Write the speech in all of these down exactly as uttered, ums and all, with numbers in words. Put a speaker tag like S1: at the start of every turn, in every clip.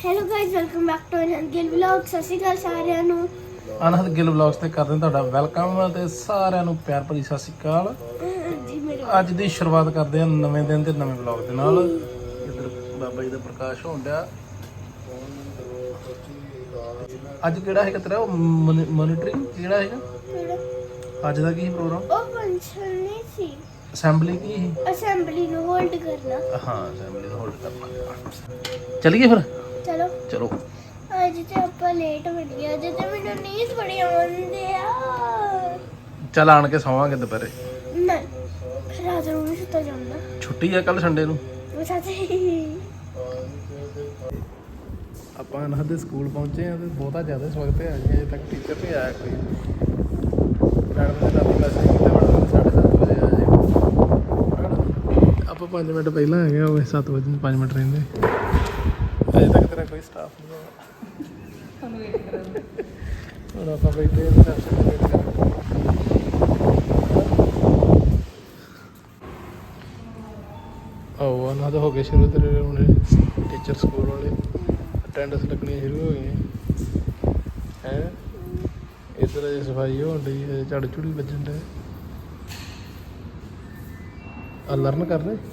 S1: Hello guys welcome back to Anand Gill vlog. Sat Sri ਅਕਾਲ ਸਾਰਿਆਂ ਨੂੰ।
S2: ਅਨੰਦ Gill vlogs ਤੇ ਕਰਦੇ ਹਾਂ ਤੁਹਾਡਾ ਵੈਲਕਮ ਤੇ ਸਾਰਿਆਂ ਨੂੰ ਪਿਆਰ ਭਰੀ ਸਤਿ ਸ਼੍ਰੀ ਅਕਾਲ।
S1: ਜੀ ਮੇਰੇ
S2: ਅੱਜ ਦੀ ਸ਼ੁਰੂਆਤ ਕਰਦੇ ਹਾਂ ਨਵੇਂ ਦਿਨ ਤੇ ਨਵੇਂ ਵਲੌਗ ਦੇ ਨਾਲ। ਇੱਧਰ ਬਾਬਾ ਜੀ ਦਾ ਪ੍ਰਕਾਸ਼ ਹੋਣ ਡਿਆ। ਅੱਜ ਕਿਹੜਾ ਹੈਗਾ ਤੇਰਾ ਮੋਨੀਟਰਿੰਗ ਕਿਹੜਾ ਹੈਗਾ ਅੱਜ ਦਾ ਕੀ ਪ੍ਰੋਗਰਾਮ?
S1: ਉਹ ਫੰਕਸ਼ਨ ਨਹੀਂ ਸੀ,
S2: ਅਸੈਂਬਲੀ ਕੀ ਸੀ?
S1: ਅਸੈਂਬਲੀ ਨੂੰ ਹੋਲਡ ਕਰਨਾ।
S2: ਹਾਂ ਅਸੈਂਬਲੀ ਨੂੰ ਹੋਲਡ ਕਰਨਾ। ਚੱਲੀਏ ਫਿਰ
S1: ਚਲੋ
S2: ਚਲੋ।
S1: ਅੱਜ ਤੇ ਆਪਾਂ ਲੇਟ ਹੋ ਗਏ। ਅੱਜ ਤੇ ਮੈਨੂੰ ਨੀਂਦ ਬੜੀ ਆਉਂਦੀ ਆ।
S2: ਚੱਲ ਆਣ ਕੇ ਸੌਵਾਂਗੇ ਦੁਪਹਿਰੇ।
S1: ਨਹੀਂ ਰਾਤ ਨੂੰ ਵੀ ਸੁੱਤਾ ਜਾਂਦਾ।
S2: ਛੁੱਟੀ ਆ ਕੱਲ ਸੰਡੇ ਨੂੰ।
S1: ਸੱਚੀ
S2: ਆਪਾਂ ਅਨੰਦ ਦੇ ਸਕੂਲ ਪਹੁੰਚੇ ਆ ਤੇ ਬਹੁਤਾ ਜ਼ਿਆਦਾ ਸਵਾਗਤ ਹੈ। ਅਜੇ ਤੱਕ ਟੀਚਰ ਨਹੀਂ ਆਇਆ ਕੋਈ। ਮੈਡਮ ਨੇ ਰਾਤੀ ਮੈਸੇਜ ਕੀਤਾ ਮੈਡਮ ਨੇ ਸਾਢੇ ਸੱਤ ਵਜੇ ਆ ਜਾਏ। ਆਪਾਂ ਪੰਜ ਮਿੰਟ ਪਹਿਲਾਂ ਆ ਗਏ ਹੋਵੇ, ਸੱਤ ਵਜੇ ਨੂੰ ਪੰਜ ਮਿੰਟ ਰਹਿੰਦੇ। ਅਜੇ ਤੱਕ ਤੇਰਾ ਕੋਈ ਸਟਾਫ ਨਹੀਂ ਆਇਆ। ਤੁਹਾਨੂੰ ਵੇਟ ਕਰਾਂਗੇ। ਹੁਣ ਆਪਾਂ ਬੈਠੇ ਰਿਸੈਪਸ਼ਨ ਤੇ ਵੇਟ ਕਰਾਂਗੇ। ਆਓ ਅਨੰਦ ਹੋ ਗਏ ਸ਼ੁਰੂ ਤੇਰੇ ਹੁਣ ਟੀਚਰ ਸਕੂਲ ਵਾਲੇ ਅਟੈਂਡੈਂਸ ਲੱਗਣੀ ਸ਼ੁਰੂ ਹੋ ਗਈ ਹੈ। ਇੱਧਰ ਅਜੇ ਸਫਾਈ ਹੋਣ ਡਈ ਹੈ, ਝਾੜੂ ਝੂੜੀ ਵੱਜਣ ਡਿਆ। ਆ ਲਰਨ ਕਰ ਰਹੇ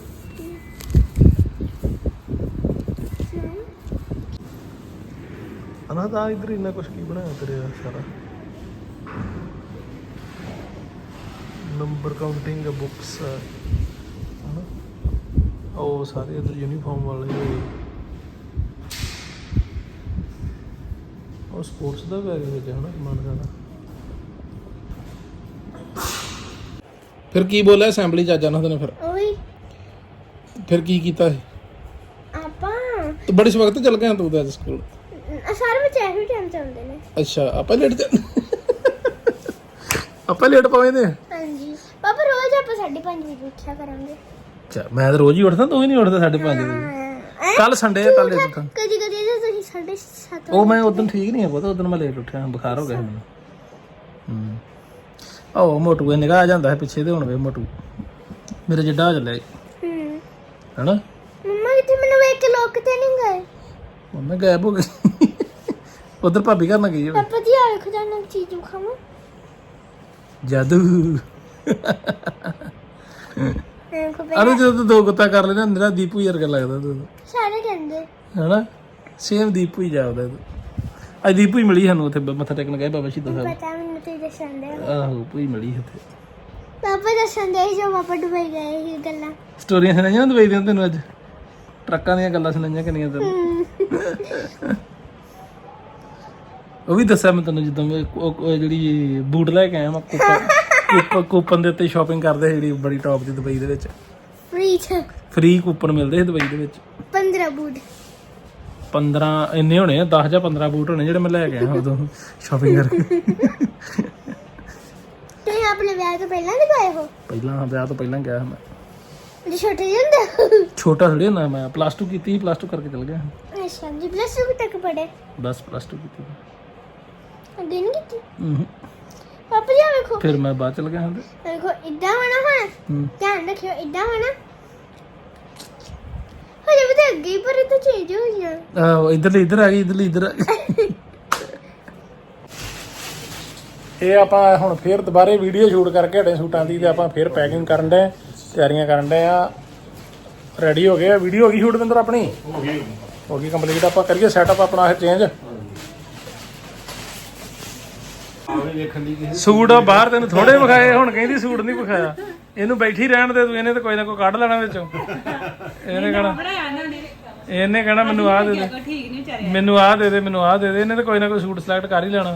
S2: ਅਨੰਦ ਆ ਇੱਧਰ ਇੰਨਾ ਕੁਛ ਕੀ ਬਣਾਇਆ ਤੇਰੇ ਆ ਸਾਰਾ ਨੰਬਰ ਕਾਊਂਟਿੰਗ ਬੁੱਕਸ ਉਹ ਸਾਰੇ ਇੱਧਰ ਯੂਨੀਫਾਰਮ ਵਾਲੇ ਉਹ ਸਪੋਰਟਸ ਦਾ ਬੈਗ ਵਿੱਚ ਹੈ ਨਾ ਸਮਾਨ ਸਾਰਾ। ਫਿਰ ਕੀ ਬੋਲਿਆ ਅਸੈਂਬਲੀ ਚ ਅੱਜ ਅਨੰਦ ਨੇ? ਫਿਰ
S1: ਓਏ
S2: ਫਿਰ ਕੀ ਕੀਤਾ ਸੀ?
S1: ਆਪਾਂ
S2: ਤੂੰ ਬੜੀ ਸਵਖਤ ਚੱਲ ਗਿਆ ਤੂੰ ਤਾਂ ਅੱਜ ਸਕੂਲ।
S1: ਸਾਰੇ ਬੱਚੇ ਇਹੋ ਟਾਈਮ ਤੇ ਆਉਂਦੇ ਨੇ।
S2: ਅੱਛਾ ਆਪਾਂ ਲੇਟ ਚੱਲ ਆਪਾਂ ਲੇਟ ਪਵੇਂਦੇ।
S1: ਹਾਂਜੀ ਪਾਪਾ ਰੋਜ਼ ਆਪਾਂ ਸਾਢੇ ਪੰਜ ਵਜੇ ਉੱਠਿਆ ਕਰਾਂਗੇ।
S2: ਅੱਛਾ ਮੈਂ ਤਾਂ ਰੋਜ਼ ਹੀ ਉੱਠਦਾ, ਤੂੰ ਹੀ ਨਹੀਂ ਉੱਠਦਾ ਸਾਢੇ ਪੰਜ ਵਜੇ। ਕੱਲ ਸੰਡੇ ਹੈ, ਕੱਲ ਲੇਟ ਉੱਠਾ।
S1: ਕਦੀ ਕਦੀ ਜੇ ਤੁਸੀਂ ਸਾਢੇ ਸੱਤ
S2: ਉਹ ਮੈਂ ਉਦੋਂ ਠੀਕ ਨਹੀਂ ਹੈ ਪਤਾ, ਉਦੋਂ ਮੈਂ ਲੇਟ ਉੱਠਿਆ, ਬੁਖਾਰ ਹੋ ਗਿਆ ਸੀ ਮੈਨੂੰ। ਹੂੰ ਆਹੋ ਮੋਟੂ ਨਿਗਾਹ ਆ ਜਾਂਦਾ ਹੈ ਪਿੱਛੇ ਤੇ ਹੁਣ ਵੇ ਮੋਟੂ ਮੇਰੇ ਜਿੱਡਾ ਹੋ ਚੱਲਿਆ
S1: ਹੂੰ
S2: ਹੈਨਾ।
S1: ਮੰਮਾ ਕਿਤੇ ਮੈਨੂੰ ਵੇਖ ਕੇ ਲੋਕ ਤੇ ਨਹੀਂ ਗਏ।
S2: ਮੰਮੀ ਗਾਇਬ ਹੋ ਗਈ ਉਧਰ ਭਾਬੀ ਘਰ ਨਾ ਗਈ ਹੋਵੇ।
S1: ਪਾਪਾ ਜੀ ਆ ਵੇਖੋ ਜਾਨਾ ਚੀਜ਼ ਖਾਵਾਂ
S2: ਜਾਦੂ।
S1: ਦੇਖੋ
S2: ਅਰੇ ਜਦੋਂ ਤੂੰ ਦੋ ਗੁੱਤਾ ਕਰ ਲੈਣਾ ਮੇਰਾ ਦੀਪੂ ਵਰਗਾ ਲੱਗਦਾ ਤੂੰ।
S1: ਸਾਰੇ ਕਹਿੰਦੇ
S2: ਹੈਨਾ ਸੇਮ ਦੀਪੂ ਹੀ ਜਾਪਦਾ ਤੂੰ। ਅੱਜ ਦੀਪੂ ਹੀ ਮਿਲੀ ਸਾਨੂੰ ਉੱਥੇ ਮੱਥਾ ਟੇਕਣ ਗਏ ਬਾਬਾ ਸ਼ਹੀਦਾਂ ਸਾਹਿਬ।
S1: ਪਤਾ ਮੈਨੂੰ ਤੇ ਦੱਸਣ ਦੇ
S2: ਆਹੋ ਭੂਈ ਮਿਲੀ ਉੱਥੇ।
S1: ਪਾਪਾ ਦੱਸਣ ਦੇ ਜੋ ਪਾਪਾ ਦੁਬਈ ਗਏ ਇਹ ਗੱਲਾਂ
S2: ਸਟੋਰੀਆਂ ਸੁਣਾਈਆਂ ਦੁਬਈ ਦੀਆਂ ਤੈਨੂੰ ਅੱਜ? ਟਰੱਕਾਂ ਦੀਆਂ ਗੱਲਾਂ ਸੁਣਾਈਆਂ ਕਿੰਨੀਆਂ ਤੈਨੂੰ? ਉਹ ਵੀ ਦੱਸਿਆ ਮੈਂ ਤੈਨੂੰ ਜਦੋਂ ਮੈਂ ਉਹ ਜਿਹੜੀ ਬੂਟ ਲੈ ਕੇ ਆਇਆ ਮੈਂ ਕੂਪਨ ਕੂਪਨ ਦੇ ਉੱਤੇ ਸ਼ਾਪਿੰਗ ਕਰਦੇ ਜਿਹੜੀ ਬੜੀ ਟੌਪ ਦੀ ਦੁਬਈ ਦੇ ਵਿੱਚ
S1: ਫ੍ਰੀ ਚ
S2: ਫ੍ਰੀ ਕੂਪਨ ਮਿਲਦੇ ਸੀ ਦੁਬਈ ਦੇ ਵਿੱਚ।
S1: ਪੰਦਰਾਂ ਬੂਟ
S2: ਪੰਦਰਾਂ ਇੰਨੇ ਹੋਣੇ ਆ, ਦਸ ਜਾਂ ਪੰਦਰਾਂ ਬੂਟ ਹੋਣੇ ਜਿਹੜੇ ਮੈਂ ਲੈ ਕੇ ਆਇਆ ਉਦੋਂ ਸ਼ਾਪਿੰਗ ਕਰਕੇ।
S1: ਤੁਸੀਂ ਆਪਣੇ ਵਿਆਹ ਤੋਂ ਪਹਿਲਾਂ ਲਗਾਏ ਹੋ?
S2: ਪਹਿਲਾਂ ਵਿਆਹ ਤੋਂ ਪਹਿਲਾਂ ਗਿਆ ਮੈਂ।
S1: ਜੇ ਛੋਟੇ ਜਿਹੇ ਹੁੰਦੇ
S2: ਛੋਟਾ ਥੋੜੀ ਹੁੰਦਾ ਮੈਂ, ਪਲੱਸ ਟੂ ਕੀਤੀ ਸੀ, ਪਲੱਸ ਟੂ ਕਰਕੇ ਚਲ ਗਿਆ।
S1: ਅੱਛਾ ਜੀ ਪਲੱਸ ਟੂ ਤੱਕ ਪੜ੍ਹੇ?
S2: ਬਸ ਪਲੱਸ ਟੂ ਕੀਤੀ
S1: ਅੱਗੇ ਨਹੀਂ ਕੀਤੀ?
S2: ਹੂੰ
S1: ਪਾਪਾ ਜੀ ਆ ਵੇਖੋ
S2: ਫਿਰ ਮੈਂ ਬਾਅਦ ਚਲ ਗਿਆ ਹਾਂ।
S1: ਦੇਖੋ ਇੱਦਾਂ ਹੋਣਾ ਹੁਣ
S2: ਹੂੰ
S1: ਧਿਆਨ ਰੱਖਿਓ ਇੱਦਾਂ ਹੋਣਾ। ਹਜੇ ਵੀ ਤਾਂ ਅੱਗੇ ਹੀ ਪਰ ਇਹ ਤਾਂ ਚੇਂਜ ਹੋ ਗਿਆ।
S2: ਆਹੋ ਇੱਧਰ ਇੱਧਰ ਆ ਗਈ, ਇੱਧਰ ਇੱਧਰ ਆ ਗਈ। ਇਹ ਆਪਾਂ ਹੁਣ ਫੇਰ ਦੁਬਾਰੇ ਵੀਡੀਓ ਸ਼ੂਟ ਕਰਕੇ ਹਟੇ ਸੂਟਾਂ ਦੀ ਤੇ ਆਪਾਂ ਫੇਰ ਪੈਕਿੰਗ ਕਰਨ ਦੇ ਤਿਆਰੀਆਂ ਕਰਨ ਦੇ ਆ। ਰੈਡੀ ਹੋ ਗਏ, ਵੀਡੀਓ ਹੋ ਗਈ ਸ਼ੂਟ ਬਿੰਦਰ ਆਪਣੀ ਹੋ ਗਈ ਹੋ ਗਈ ਕੰਪਲੀਟ। ਆਪਾਂ ਕਰੀਏ ਸੈਟਅਪ ਆਪਣਾ ਇਹ ਚੇਂਜ। ਸੂਟ ਬਾਹਰ ਤੈਨੂੰ ਥੋੜੇ ਵਿਖਾਏ, ਹੁਣ ਕਹਿੰਦੀ ਸੂਟ ਨਹੀਂ ਵਿਖਾਇਆ। ਇਹਨੂੰ ਬੈਠੀ ਰਹਿਣ ਦੇ ਤੂੰ, ਇਹਨੇ ਤਾਂ ਕੋਈ ਨਾ ਕੋਈ ਕੱਢ ਲੈਣਾ ਵਿੱਚੋਂ। ਇਹਨੇ ਕਹਿਣਾ ਇਹਨੇ ਕਹਿਣਾ ਮੈਨੂੰ ਆਹ ਦੇ ਦੇ, ਮੈਨੂੰ ਆਹ ਦੇ ਦੇ, ਮੈਨੂੰ ਆਹ ਦੇ ਦੇ। ਇਹਨੇ ਤਾਂ ਕੋਈ ਨਾ ਕੋਈ ਸੂਟ ਸਿਲੈਕਟ ਕਰ ਹੀ ਲੈਣਾ।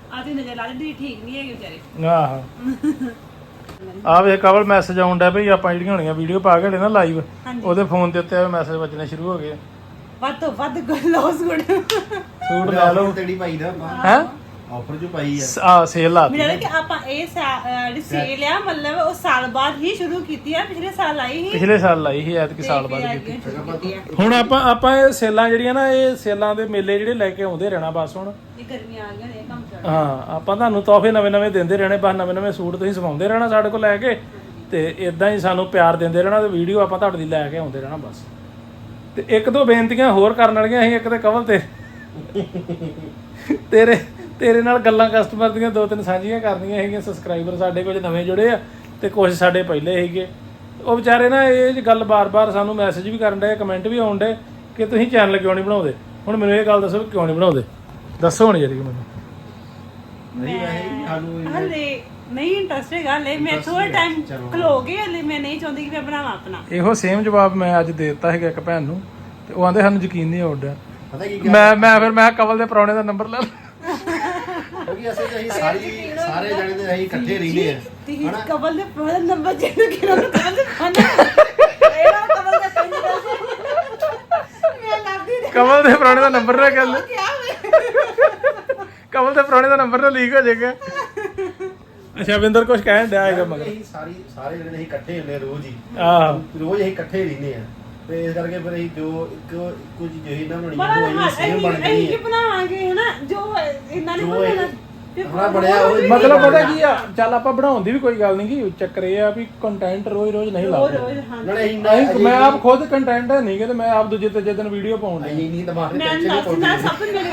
S2: ਆਹੋ ਆ ਵੇ ਕਵਲ ਮੈਸੇਜ ਆਉਣ ਡਿਆ ਭਈ ਆਪਾਂ ਜਿਹੜੀਆਂ ਹੋਣੀਆਂ ਵੀਡੀਓ ਪਾ ਕੇ ਹਟੇ ਨਾ ਲਾਈਵ, ਉਹਦੇ ਫੋਨ ਦੇ ਉੱਤੇ ਮੈਸੇਜ ਵੱਜਣੇ ਸ਼ੁਰੂ ਹੋ ਗਏ।
S3: ਵੱਧ ਤੋਂ ਵੱਧ ਲਓ ਸੂਟ
S2: ਸੂਟ ਲੈ ਲਓ
S4: ਤੇੜੀ ਪਾਈ ਦਾ
S2: ਹੈ
S4: ਆਫਰ ਜੋ ਪਾਈ ਆ
S2: ਆ ਸੇਲ ਲਾਤੀ।
S3: ਮੇਰਾ ਕਿ ਆਪਾਂ ਇਹ ਜਿਹੜੀ ਸੇਲ ਆ ਮਤਲਬ ਉਹ ਸਾਲ ਬਾਅਦ ਹੀ ਸ਼ੁਰੂ ਕੀਤੀ ਆ। ਪਿਛਲੇ ਸਾਲ ਆਈ ਸੀ,
S2: ਪਿਛਲੇ ਸਾਲ ਲਾਈ ਸੀ, ਐਤਕੀ ਸਾਲ ਬਾਅਦ ਕੀਤੀ।
S3: ਆ
S2: ਹੁਣ ਆਪਾਂ ਆਪਾਂ ਇਹ ਸੇਲਾਂ ਜਿਹੜੀਆਂ ਨਾ ਇਹ ਸੇਲਾਂ ਦੇ ਮੇਲੇ ਜਿਹੜੇ ਲੈ ਕੇ ਆਉਂਦੇ ਰਹਿਣਾ ਬਸ। ਹੁਣ
S3: ਇਹ ਗਰਮੀਆਂ ਆ ਗਈਆਂ ਨੇ ਕੰਮ ਕਰ।
S2: ਹਾਂ ਆਪਾਂ ਤੁਹਾਨੂੰ ਤੋਹਫੇ ਨਵੇਂ ਨਵੇਂ ਦਿੰਦੇ ਰਹਿਣੇ, ਬਸ ਨਵੇਂ ਨਵੇਂ ਸੂਟ ਤੁਸੀਂ ਸਵਾਉਂਦੇ ਰਹਿਣਾ ਸਾਡੇ ਕੋਲ ਲੈ ਕੇ, ਤੇ ਇਦਾਂ ਹੀ ਸਾਨੂੰ ਪਿਆਰ ਦਿੰਦੇ ਰਹਿਣਾ ਤੇ ਵੀਡੀਓ ਆਪਾਂ ਤੁਹਾਡੇ ਲਈ ਲੈ ਕੇ ਆਉਂਦੇ ਰਹਿਣਾ ਬਸ। ਤੇ ਇੱਕ ਦੋ ਬੇਨਤੀਆਂ ਹੋਰ ਕਰਨ ਵਾਲੀਆਂ ਸੀ। ਇੱਕ ਤੇ ਕਵਲ ਤੇ ਤੇਰੇ ਤੇਰੇ ਨਾਲ ਗੱਲਾਂ ਕਸਟਮਰ ਦੀਆਂ ਦੋ ਤਿੰਨ ਸਾਂਝੀਆਂ ਕਰਨੀਆਂ ਹੈਗੀਆਂ। ਸਬਸਕ੍ਰਾਈਬਰ ਸਾਡੇ ਕੁਝ ਨਵੇਂ ਜੁੜੇ ਆ ਤੇ ਕੁਝ ਸਾਡੇ ਪਹਿਲੇ ਹੈਗੇ। ਉਹ ਵਿਚਾਰੇ ਨਾ ਇਹ ਗੱਲ ਬਾਰ-ਬਾਰ ਸਾਨੂੰ ਮੈਸੇਜ ਵੀ ਕਰਨ ਡਏ, ਕਮੈਂਟ ਵੀ ਆਉਣ ਡਏ ਕਿ ਤੁਸੀਂ ਚੈਨਲ ਕਿਉਂ ਨਹੀਂ ਬਣਾਉਂਦੇ। ਹੁਣ ਮੈਨੂੰ ਇਹ ਗੱਲ ਦੱਸੋ ਕਿਉਂ ਨਹੀਂ ਬਣਾਉਂਦੇ, ਦੱਸੋ ਹੁਣ ਜਿਹੜੀ ਮੈਨੂੰ।
S4: ਨਹੀਂ ਵੈਸੇ ਸਾਨੂੰ
S3: ਹਲੇ ਨਹੀਂ ਇੰਟਰਸਟ ਹੈਗਾ ਹਲੇ। ਮੈਂ ਥੋੜਾ ਟਾਈਮ ਖਲੋ ਗਈ ਹਲੇ। ਮੈਂ ਨਹੀਂ ਚਾਹੁੰਦੀ ਕਿ ਮੈਂ ਬਣਾਵਾਂ ਆਪਣਾ।
S2: ਇਹੋ ਸੇਮ ਜਵਾਬ ਮੈਂ ਅੱਜ ਦੇ ਦਿੱਤਾ ਹੈਗਾ ਇੱਕ ਭੈਣ ਨੂੰ ਤੇ ਉਹ ਆਂਦੇ ਸਾਨੂੰ ਯਕੀਨ ਨਹੀਂ ਆਉਂਦਾ।
S4: ਪਤਾ ਕੀ
S2: ਮੈਂ ਮੈਂ ਫਿਰ ਮੈਂ ਕਵਲ ਦੇ ਪ੍ਰਾਹੁਣੇ ਦਾ ਨੰਬਰ ਲੈ ਲਿਆ।
S4: ਕਿਉਂਕਿ ਅਸੀਂ ਅਸੀਂ ਸਾਰੀ ਸਾਰੇ ਜਣੇ ਤੇ ਅਸੀਂ ਇਕੱਠੇ ਰਹਿੰਦੇ ਆ
S3: ਤੀ ਕਬਲ ਦੇ ਪਹਿਲਾ ਨੰਬਰ ਜਿਹੜਾ ਕਿ ਉਹਨੂੰ ਕਬਲ ਦੇ ਫਾਨਾ ਇਹਦਾ ਕਬਲ ਦੇ ਫਾਨਾ ਮੈਂ ਲੱਗਦੀ ਨਹੀਂ
S2: ਕਵਲ ਦੇ ਪ੍ਰਾਹੁਣੇ ਦਾ ਨੰਬਰ ਲੈ ਗੱਲ
S3: ਕੀ ਆ
S2: ਕਵਲ ਦੇ ਪ੍ਰਾਹੁਣੇ ਦਾ ਨੰਬਰ ਨਾ ਲੀਕ ਹੋ ਜਾਏਗਾ। ਅੱਛਾ ਵਿੰਦਰ ਕੁਝ ਕਹਿਣ ਡਿਆ ਹੈਗਾ ਮਗਰ।
S4: ਅਸੀਂ ਸਾਰੀ ਸਾਰੇ ਜਣੇ ਅਸੀਂ ਇਕੱਠੇ ਹੁੰਦੇ ਆ ਰੋਜ਼ ਹੀ।
S2: ਆਹ
S4: ਰੋਜ਼ ਅਸੀਂ ਇਕੱਠੇ ਰਹਿੰਦੇ ਆ ਤੇ ਇਸ ਕਰਕੇ ਫਿਰ ਅਸੀਂ ਜੋ ਇੱਕ ਇੱਕੋ ਚੀਜ਼ ਜਿਹੀ ਨਾ ਬਣਾਉਣੀ
S3: ਬੜਾ
S4: ਉਹ ਅਸੀਂ ਸੇਮ ਬਣ
S3: ਅਸੀਂ
S4: ਗਈ
S3: ਕੀ
S4: ਹੈ
S3: ਬਣਾਵਾਂਗੇ ਹਨਾ ਜੋ ਇਹਨਾਂ ਨੇ
S4: ਜੋ
S3: ਬਣਾਉਣਾ
S4: ਆਪਣਾ ਬਣਿਆ ਉਹ
S2: ਮਤਲਬ ਪਤਾ ਕੀ ਆ, ਚੱਲ ਆਪਾਂ ਬਣਾਉਣ ਦੀ ਵੀ ਕੋਈ ਗੱਲ ਨਹੀਂ ਗੀ। ਚੱਕਰ ਇਹ ਆ ਵੀ ਕੰਟੈਂਟ ਰੋਜ਼ ਰੋਜ਼ ਨਹੀਂ
S3: ਰੋਜ਼
S2: ਲਾਉਂਦੇ।
S3: ਰੋਜ਼ ਹਾਂ
S4: ਨਾਲੇ ਅਸੀਂ
S2: ਨਹੀਂ ਮੈਂ ਆਪ ਖੁਦ ਕੰਟੈਂਟ ਹੈ ਨਹੀਂ ਕਿ ਮੈਂ ਆਪ ਦੂਜੇ ਤੀਜੇ ਦਿਨ ਵੀਡੀਓ ਪਾਉਣ ਡਿਆ।
S4: ਅਸੀਂ ਨਹੀਂ ਦਿਮਾਗ ਤੇ
S3: ਮੈਂ
S4: ਟੈਨਸ਼ਨ ਨਹੀਂ
S3: ਦੱਸ ਮੈਂ
S4: ਪਾਉਂਦੇ।
S3: ਸਭ ਤੋਂ ਮੇਰੀ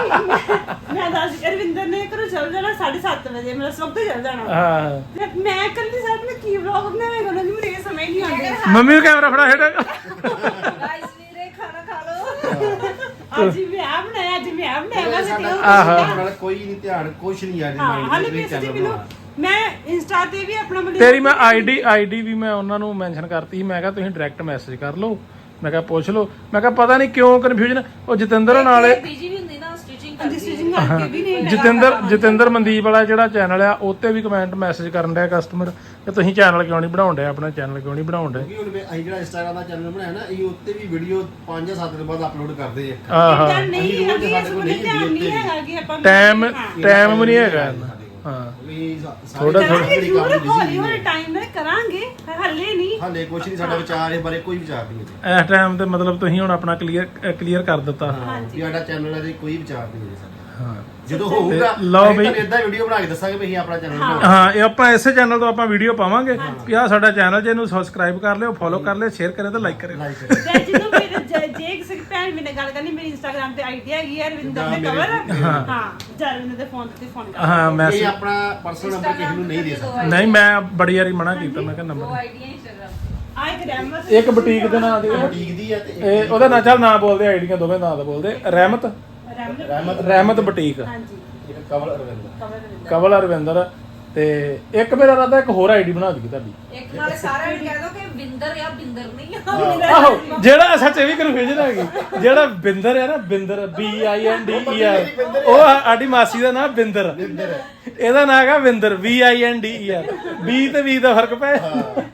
S3: ਗੱਲ ਮੈਂ ਦੱਸ ਅਰਵਿੰਦਰ ਨੇ ਘਰੋਂ ਚੱਲ ਜਾਣਾ ਸਾਢੇ ਸੱਤ ਵਜੇ ਮੇਰਾ ਸਭ ਤੋਂ ਚੱਲ ਜਾਣਾ।
S2: ਹਾਂ
S3: ਤੇ ਮੈਂ ਕੱਲੀ ਸਾਥ ਨੇ ਕੀ ਵਲੌਗ ਬਣਾਵੇਗਾ ਉਹਨਾਂ ਨੂੰ ਮੇਰੇ ਸਮਝ ਨਹੀਂ ਆਉਂਦਾ।
S2: ਮੰਮੀ ਨੂੰ ਕੈਮਰਾ ਫੜਾ ਹੇਠ।
S5: ਗਾਇਸ ਵੀਰੇ ਖਾਣਾ ਖਾ ਲਓ।
S3: ਅੱਜ ਮੈਂ ਆ ਬਣਾਇਆ ਅੱਜ ਮੈਂ ਆ ਬਣਾਇਆ ਮੈਂ
S4: ਸਾਡਾ
S3: ਕਿਹਾ
S4: ਨਾਲ ਕੋਈ ਨਹੀਂ ਧਿਆਨ ਕੁਛ ਨਹੀਂ ਆ ਜੀ
S3: ਹਾਂ ਹਾਲੇ ਵੀ ਸੱਚੀ ਮੈਨੂੰ ਮੈਂ ਇੰਸਟਾ ਤੇ ਵੀ ਆਪਣਾ ਮਤਲਬ
S2: ਤੇਰੀ ਮੈਂ ਆਈਡੀ ਆਈਡੀ ਵੀ ਮੈਂ ਉਹਨਾਂ ਨੂੰ ਮੈਂਸ਼ਨ ਕਰਤੀ ਸੀ। ਮੈਂ ਕਿਹਾ ਤੁਸੀਂ ਡਾਇਰੈਕਟ ਮੈਸੇਜ ਕਰ ਲਓ। ਮੈਂ ਕਿਹਾ ਪੁੱਛ ਲਓ। ਮੈਂ ਕਿਹਾ ਪਤਾ ਨਹੀਂ ਕਿਉਂ ਕਨਫਿਊਜ਼ਨ। ਉਹ ਜਤਿੰਦਰ ਨਾਲ
S5: ਬੀਜੀ ਵੀ ਹੁੰਦੀ ਨਾ ਸਟਿਚਿੰਗ ਕਰਦੀ।
S3: ਡਿਸੀਜਨ ਕਰਕੇ ਵੀ ਨਹੀਂ
S2: ਜਤਿੰਦਰ ਜਤਿੰਦਰ ਮਨਦੀਪ ਵਾਲਾ ਜਿਹੜਾ ਚੈਨਲ ਆ ਉੱਤੇ ਵੀ ਕਮੈਂਟ ਮੈਸੇਜ ਕਰਨ ਡਿਆ ਕਸਟਮਰ ਕਿ ਤੁਸੀਂ ਚੈਨਲ ਕਿਉਂ ਨਹੀਂ ਬਣਾਉਣ ਡਿਆ, ਆਪਣਾ ਚੈਨਲ ਕਿਉਂ ਨਹੀਂ ਬਣਾਉਣ ਡਿਆ।
S4: ਕਿਉਂਕਿ ਹੁਣ ਅਸੀਂ ਜਿਹੜਾ ਇੰਸਟਾਗ੍ਰਾਮ ਦਾ ਚੈਨਲ ਬਣਾਇਆ ਨਾ ਇਹ ਉੱਤੇ ਵੀ ਵੀਡੀਓ ਪੰਜ ਜਾਂ ਸੱਤ ਦਿਨ ਬਾਅਦ ਅਪਲੋਡ ਕਰਦੇ ਆ।
S2: ਆਹ
S3: ਤਾਂ ਨਹੀਂ ਹੈਗੀ ਇਸ ਕੋਲ ਧਿਆਨ ਨਹੀਂ ਹੈਗਾ ਕਿ ਆਪਾਂ
S2: ਟਾਈਮ ਟਾਈਮ ਵੀ ਨਹੀਂ ਹੈਗਾ ਇੰਨਾ। ਹਾਂ
S4: ਥੋੜਾ
S3: ਕਰਾਂਗੇ ਜ਼ਰੂਰ ਹੌਲੀ ਹੌਲੀ ਟਾਈਮ ਨਾਲ ਕਰਾਂਗੇ ਹੱਲੇ ਨਹੀਂ
S4: ਹਾਲੇ ਕੁਛ ਨਹੀਂ ਸਾਡਾ ਵਿਚਾਰ ਇਸ ਬਾਰੇ ਕੋਈ ਵਿਚਾਰ ਨਹੀਂ ਹੈ
S2: ਇਸ ਟਾਈਮ ਤੇ ਮਤਲਬ ਤੁਸੀਂ ਹੁਣ ਆਪਣਾ ਕਲੀਅਰ ਕਲੀਅਰ ਕਰ ਦਿੱਤਾ।
S4: ਵੀ ਸਾਡਾ ਚੈਨਲ ਹੈ ਕੋਈ ਵਿਚਾਰ ਨਹੀਂ ਹੈ ਸਾਡਾ।
S2: ਹਾਂ
S4: ਜਦੋਂ ਹੋਊਗਾ
S2: ਲਓ ਬਈ
S4: ਇਦਾਂ ਵੀਡੀਓ ਬਣਾ ਕੇ ਦੱਸਾਂਗੇ ਵੀ ਅਸੀਂ ਆਪਣਾ ਚੈਨਲ ਬਣਾਉਣਾ।
S2: ਹਾਂ ਇਹ ਆਪਾਂ ਇਸੇ ਚੈਨਲ ਤੋਂ ਆਪਾਂ ਵੀਡੀਓ ਪਾਵਾਂਗੇ ਕਿ ਆਹ ਸਾਡਾ ਚੈਨਲ ਜੇ ਇਹਨੂੰ ਸਬਸਕ੍ਰਾਈਬ ਕਰ ਲਿਓ, ਫੋਲੋ ਕਰ ਲਿਓ, ਸ਼ੇਅਰ ਕਰਿਓ ਤੇ ਲਾਈਕ ਕਰਿਓ।
S4: ਲਾਈਕ ਕਰਿਓ।
S3: ਤੇ ਜਦੋਂ ਮੇਰੇ ਜੇ ਜੇ ਕਿਸੇ ਭੈਣ ਮੇਰੇ ਨਾਲ ਗੱਲ ਕਰਨੀ ਮੇਰੀ ਇੰਸਟਾਗ੍ਰਾਮ ਤੇ ਆਈਡੀ ਹੈਗੀ ਹੈ ਰਵਿੰਦਰ ਦੇ ਕਵਰ ਹਾਂ ਜਰਵਿੰਦਰ ਦੇ ਫੋਨ ਤੇ ਫੋਨ ਕਰ
S2: ਹਾਂ
S4: ਇਹ
S2: ਮੈਸੇਜ
S4: ਆਪਣਾ ਪਰਸਨਲ ਨੰਬਰ ਕਿਸੇ ਨੂੰ ਨਹੀਂ ਦੇ ਸਕਦੇ।
S2: ਨਹੀਂ ਮੈਂ ਬੜੀ ਵਾਰੀ ਮਨਾ ਕੀਤਾ। ਮੈਂ ਕਿਹਾ
S5: ਉਹ
S2: ਨੰਬਰ
S5: ਆਈਡੀਆ ਇੰਸਟਾਗ੍ਰਾਮ
S3: ਆ ਇੱਕ ਰਹਿਮਤ
S2: ਇੱਕ ਬੁਟੀਕ ਦੇ ਨਾਂ ਦੇ
S4: ਬੁਟੀਕ ਦੀ ਹੈ ਤੇ
S2: ਇਹ ਉਹਦਾ ਨਾਂ ਚੱਲ ਨਾਂ ਬੋਲਦੇ, ਆਈਡੀਆਂ ਦੋਵੇਂ ਨਾਂ ਦਾ ਬੋਲਦੇ। ਰਹਿਮਤ
S3: ਰਹਿਮਤ
S4: ਰਹਿਮਤ
S2: ਰਹਿਮਤ ਬੁਟੀਕ,
S3: ਹਾਂਜੀ
S4: ਇੱਕ ਕਵਲ ਅਰਵਿੰਦ।
S3: ਕਵਰ ਰਵਿੰਦਰ
S2: ਕਵਲ ਅਰਵਿੰਦਰ ਤੇ ਇੱਕ ਮੇਰਾ ਰਾਦਾ ਇੱਕ ਹੋਰ ਆਈਡੀ ਬਣਾ ਦਈਏ ਤੁਹਾਡੀ।
S5: ਇੱਕ ਨਾਲੇ ਸਾਰਿਆਂ ਨੂੰ ਕਹਿ ਦੋ ਕਿ ਵਿੰਦਰ ਆ ਬਿੰਦਰ ਨਹੀਂ ਆ।
S2: ਆਹੋ ਜਿਹੜਾ ਸੱਚ ਇਹ ਵੀ ਕਨਫਿਊਜ਼ਨ ਹੈਗੀ। ਜਿਹੜਾ ਬਿੰਦਰ ਹੈ ਨਾ Binder B I N D E R ਉਹ ਸਾਡੀ ਮਾਸੀ ਦਾ ਨਾਮ ਬਿੰਦਰ। ਇਹਦਾ ਨਾਮ ਹੈਗਾ Vinder V I N D E R. B ਤੇ ਵੀ ਦਾ ਫਰਕ ਪੈ।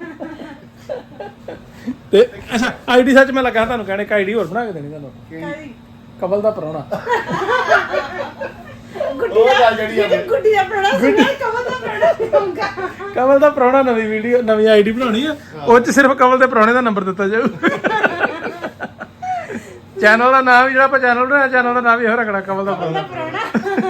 S2: ਤੇ ਅੱਛਾ ਆਈਡੀ ਸੱਚ ਮੈਂ ਲੱਗਾ ਤੁਹਾਨੂੰ ਕਹਿਣੇ ਇੱਕ ਆਈਡੀ ਹੋਰ ਬਣਾ ਕੇ ਦੇਣੀ ਤੁਹਾਨੂੰ। ਕਵਲ ਦਾ ਪ੍ਰਾਹੁਣਾ।
S3: ਗੁੱਡੀ ਦਾ ਜਿਹੜੀ ਗੁੱਡੀ ਦਾ ਪ੍ਰਣਾ ਸੁਣਾ ਕਵਰ ਦਾ ਪ੍ਰਣਾ ਸੁਣਾਉਂਗਾ।
S2: ਕਵਲ ਦਾ ਪ੍ਰਾਹੁਣਾ ਨਵੀਂ ਵੀਡੀਓ ਨਵੀਂ ਆਈਡੀ ਬਣਾਉਣੀ ਆ। ਉਹ ਚ ਸਿਰਫ ਕਵਲ ਦੇ ਪ੍ਰਾਹੁਣੇ ਦਾ ਨੰਬਰ ਦਿੱਤਾ ਜਾਊ। ਚੈਨਲ ਦਾ ਨਾਮ ਵੀ ਜਿਹੜਾ ਆਪਾਂ ਚੈਨਲ ਬਣਾਇਆ ਚੈਨਲ ਦਾ ਨਾਮ ਵੀ ਇਹੋ ਰੱਖਣਾ ਕਵਲ ਦਾ ਪ੍ਰਾਹੁਣਾ।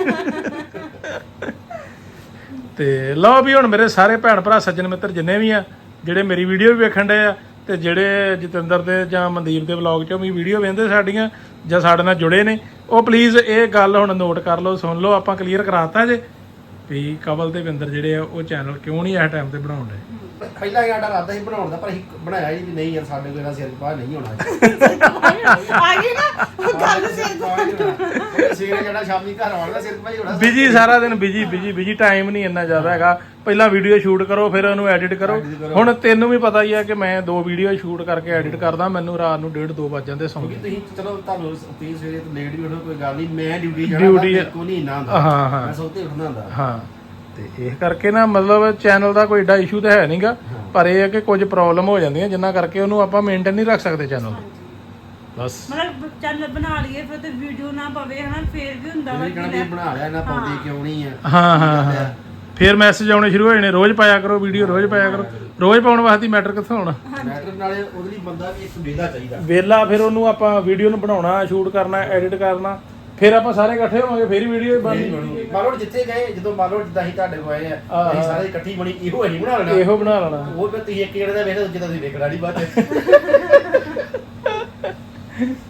S2: ਤੇ ਲਓ ਵੀ ਹੁਣ ਮੇਰੇ ਸਾਰੇ ਭੈਣ ਭਰਾ ਸੱਜਣ ਮਿੱਤਰ ਜਿੰਨੇ ਵੀ ਆ ਜਿਹੜੇ ਮੇਰੀ ਵੀਡੀਓ ਵੀ ਵੇਖਣ ਡਏ ਆ ਤੇ ਜਿਹੜੇ ਜਤਿੰਦਰ ਦੇ ਜਾਂ ਮਨਦੀਪ ਦੇ ਵਲੌਗ ਚੋਂ ਵੀ ਵੀਡੀਓ ਵੇਖਦੇ ਸਾਡੀਆਂ ਜਾਂ ਸਾਡੇ ਨਾਲ ਜੁੜੇ ਨੇ ਉਹ ਪਲੀਜ਼ ਇਹ ਗੱਲ ਹੁਣ ਨੋਟ ਕਰ ਲਓ, ਸੁਣ ਲਓ। ਆਪਾਂ ਕਲੀਅਰ ਕਰਾਤਾ ਜੇ ਵੀ ਕਵਲ ਤੇ ਵਿੰਦਰ ਜਿਹੜੇ ਆ ਉਹ ਚੈਨਲ ਕਿਉਂ ਨਹੀਂ ਇਸ ਟਾਈਮ ਤੇ ਬਣਾਉਣ ਡਏ।
S4: ਪਹਿਲਾਂ ਸਾਡਾ ਇਰਾਦਾ ਸੀ ਬਣਾਉਣ ਦਾ ਪਰ ਅਸੀਂ ਬਣਾਇਆ ਹੀ ਨਹੀਂ ਯਾਰ ਸਾਡੇ ਕੋਲ ਇਹਦਾ ਸਿਰ ਪਾ ਨਹੀਂ ਹੋਣਾ।
S3: ਆ ਗਈ ਨਾ ਉਹ ਗੱਲ ਸਿਰ
S4: ਸਵੇਰੇ ਜਿਹੜਾ ਸ਼ਾਮੀ ਘਰ ਆਉਣਾ ਸਿਰ ਪਾ ਹੀ ਹੋਣਾ।
S2: ਬਿਜੀ ਸਾਰਾ ਦਿਨ ਬਿਜੀ ਬਿਜੀ ਬਿਜੀ ਟਾਈਮ ਨਹੀਂ ਇੰਨਾ ਜ਼ਿਆਦਾ ਹੈਗਾ। ਪਹਿਲਾਂ ਵੀਡੀਓ ਸ਼ੂਟ ਕਰੋ ਫਿਰ ਉਹਨੂੰ ਐਡਿਟ ਕਰੋ। ਹੁਣ ਤੈਨੂੰ ਵੀ ਪਤਾ ਹੀ ਆ ਕਿ ਮੈਂ ਦੋ ਵੀਡੀਓ ਸ਼ੂਟ ਕਰਕੇ ਐਡਿਟ ਕਰਦਾ, ਮੈਨੂੰ ਰਾਤ ਨੂੰ ਡੇਢ ਦੋ ਵੱਜ ਜਾਂਦੇ ਸੌਂ
S4: ਕਿਉਂਕਿ ਤੁਸੀਂ ਚਲੋ ਤੁਹਾਨੂੰ ਤੁਸੀਂ ਸਵੇਰੇ ਤੋਂ ਲੇਟ ਵੀ ਉੱਠੋ ਕੋਈ ਗੱਲ ਨਹੀਂ, ਮੈਂ ਡਿਊਟੀ
S2: Duty
S4: ਜਾਣਾ ਕੋਈ ਨਹੀਂ ਨਾ ਹੁੰਦਾ।
S2: ਹਾਂ ਹਾਂ
S4: ਮੈਂ ਸੌਤੇ ਉੱਠਣਾ ਹੁੰਦਾ।
S2: ਹਾਂ ਤੇ ਇਹ ਕਰਕੇ ਨਾ ਮਤਲਬ ਚੈਨਲ ਦਾ ਕੋਈ ਏਡਾ ਇਸ਼ੂ ਤਾਂ ਹੈ ਨਹੀਂਗਾ, ਪਰ ਇਹ ਹੈ ਕਿ ਕੁਝ ਪ੍ਰੋਬਲਮ ਹੋ ਜਾਂਦੀਆਂ ਜਿੰਨਾ ਕਰਕੇ ਉਹਨੂੰ ਆਪਾਂ ਮੇਨਟੇਨ ਨਹੀਂ ਰੱਖ ਸਕਦੇ ਚੈਨਲ ਬਸ।
S3: ਮਤਲਬ ਚੈਨਲ ਬਣਾ ਲਈਏ ਫਿਰ ਤੇ ਵੀਡੀਓ ਨਾ ਪਵੇ ਹਨਾ ਫੇਰ ਵੀ ਹੁੰਦਾ ਵਾ
S4: ਇਹ ਕਹਿਣਾ ਵੀ ਬਣਾ ਲਿਆ ਨਾ ਪਾਉਂਦੇ ਕਿਉਂ ਨਹੀਂ ਆ।
S2: ਹਾਂ ਹਾਂ ਹਾਂ ਫਿਰ ਮੈਸੇਜ ਆਉਣੇ ਸ਼ੁਰੂ ਹੋ ਜਾਣੇ ਰੋਜ਼ ਪਾਇਆ ਕਰੋ ਵੀਡੀਓ, ਰੋਜ਼ ਪਾਇਆ ਕਰੋ। ਰੋਜ਼ ਪਾਉਣ ਵਾਸਤੇ ਮੈਟਰ ਕਿੱਥੋਂ ਆਉਣਾ।
S4: ਮੈਟਰ ਨਾਲੇ ਉਹਦੇ ਲਈ ਬੰਦਾ ਵੀ ਇੱਕ ਵੇਲਾ ਚਾਹੀਦਾ।
S2: ਵੇਲਾ ਫਿਰ ਉਹਨੂੰ ਆਪਾਂ ਵੀਡੀਓ ਨੂੰ ਬਣਾਉਣਾ, ਸ਼ੂਟ ਕਰਨਾ, ਐਡਿਟ ਕਰਨਾ, ਫਿਰ ਆਪਾਂ ਸਾਰੇ ਇਕੱਠੇ ਹੋਵਾਂਗੇ ਫਿਰ ਵੀਡੀਓ ਬਣਨੀ।
S4: ਮੰਨ ਲਓ ਜਿੱਥੇ ਗਏ ਜਦੋਂ ਮੰਨ ਲਓ ਜਿੱਦਾਂ ਅਸੀਂ ਤੁਹਾਡੇ ਕੋਲ ਆਏ ਆ ਅਸੀਂ ਸਾਰੇ ਇਕੱਠੀ ਬਣੀ ਇਹੋ ਅਸੀਂ ਬਣਾ ਲੈਣਾ।
S2: ਇਹੋ ਬਣਾ ਲੈਣਾ।
S4: ਉਹ ਫਿਰ ਤੁਸੀਂ ਇੱਕ ਜਣੇ ਦਾ ਵੇਖਦੇ ਦੂਜੇ ਦਾ ਤੁਸੀਂ ਵੇਖਣਾ ਨਹੀਂ ਬਾਅਦ ਚ।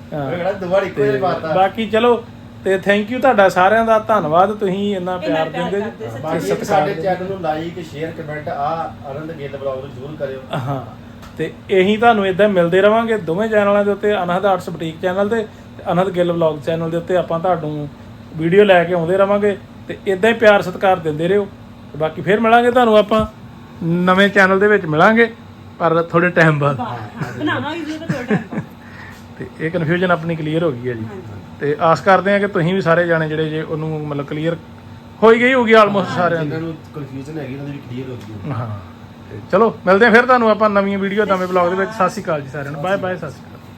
S2: ਹਾਂ।
S4: ਇਹ ਕਿਹੜਾ ਦੁਬਾਰਾ ਇੱਕੋ ਹੀ ਮਾਰਤਾ
S2: ਬਾਕੀ ਚਲੋ ਤੇ ਥੈਂਕ ਯੂ ਤੁਹਾਡਾ ਸਾਰਿਆਂ ਦਾ ਧੰਨਵਾਦ ਤੁਸੀਂ ਇੰਨਾ ਪਿਆਰ
S3: ਪਿਆਰ
S2: ਦਿੰਦੇ
S3: ਕਰਦੇ,
S2: ਜੀ
S3: ਸੱਚੀ।
S4: ਬਾਕੀ
S2: ਸਤਿਕਾਰ
S4: ਸਾਡੇ
S2: ਦਿੰਦੇ।
S4: ਚੈਨਲ ਨੂੰ ਲਾਈਕ ਸ਼ੇਅਰ ਕਮੈਂਟ ਆ ਆਨੰਦ ਗਿੱਲ ਬਲੌਗ ਨੂੰ ਜ਼ਰੂਰ ਕਰਿਓ।
S2: ਹਾਂ ਤੇ ਇਹੀ ਤੁਹਾਨੂੰ ਇਦਾਂ ਮਿਲਦੇ ਰਵਾਂਗੇ ਦੋਵੇਂ ਚੈਨਲਾਂ ਦੇ ਉੱਤੇ, ਅਨਹਦ ਆਰਟਸ ਬੁਟੀਕ ਚੈਨਲ ਤੇ ਤੇ ਅਨਹਦ ਗਿੱਲ ਵਲੌਗ ਚੈਨਲ ਦੇ ਉੱਤੇ ਆਪਾਂ ਤੁਹਾਨੂੰ ਵੀਡੀਓ ਲੈ ਕੇ ਆਉਂਦੇ ਰਵਾਂਗੇ ਤੇ ਇਦਾਂ ਹੀ ਪਿਆਰ ਸਤਿਕਾਰ ਦਿੰਦੇ ਰਹੋ। ਤੇ ਬਾਕੀ ਫਿਰ ਮਿਲਾਂਗੇ ਤੁਹਾਨੂੰ ਆਪਾਂ ਨਵੇਂ ਚੈਨਲ ਦੇ ਵਿੱਚ ਮਿਲਾਂਗੇ ਪਰ ਥੋੜੇ ਟਾਈਮ ਬਾਅਦ।
S3: ਬਣਾਵਾਂਗੇ ਜੀ ਤਾਂ ਥੋੜਾ ਟਾਈਮ
S2: ਤੇ ਇਹ ਕਨਫਿਊਜ਼ਨ ਆਪਣੀ ਕਲੀਅਰ ਹੋ ਗਈ ਹੈ ਜੀ ਤੇ ਆਸ ਕਰਦੇ ਹਾਂ ਕਿ ਤੁਸੀਂ ਵੀ ਸਾਰੇ ਜਾਣੇ ਜਿਹੜੇ ਜੇ ਉਹਨੂੰ ਮਤਲਬ ਕਲੀਅਰ ਹੋਈ ਗਈ ਹੋਊਗੀ ਆਲਮੋਸਟ ਸਾਰਿਆਂ ਦੀ।
S4: ਜਿਨ੍ਹਾਂ ਨੂੰ ਕਨਫਿਊਜ਼ਨ ਹੈਗੀ ਉਹਨਾਂ ਦੀ ਵੀ ਕਲੀਅਰ ਹੋ ਗਈ।
S2: ਹਾਂ ਤੇ ਚਲੋ ਮਿਲਦੇ ਹਾਂ ਫਿਰ ਤੁਹਾਨੂੰ ਆਪਾਂ ਨਵੀਂ ਵੀਡੀਓ ਨਵੇਂ ਬਲੌਗ ਦੇ ਵਿੱਚ। ਸਤਿ ਸ਼੍ਰੀ ਅਕਾਲ ਜੀ ਸਾਰਿਆਂ ਨੂੰ, ਬਾਏ ਬਾਏ, ਸਤਿ ਸ਼੍ਰੀ ਅਕਾਲ।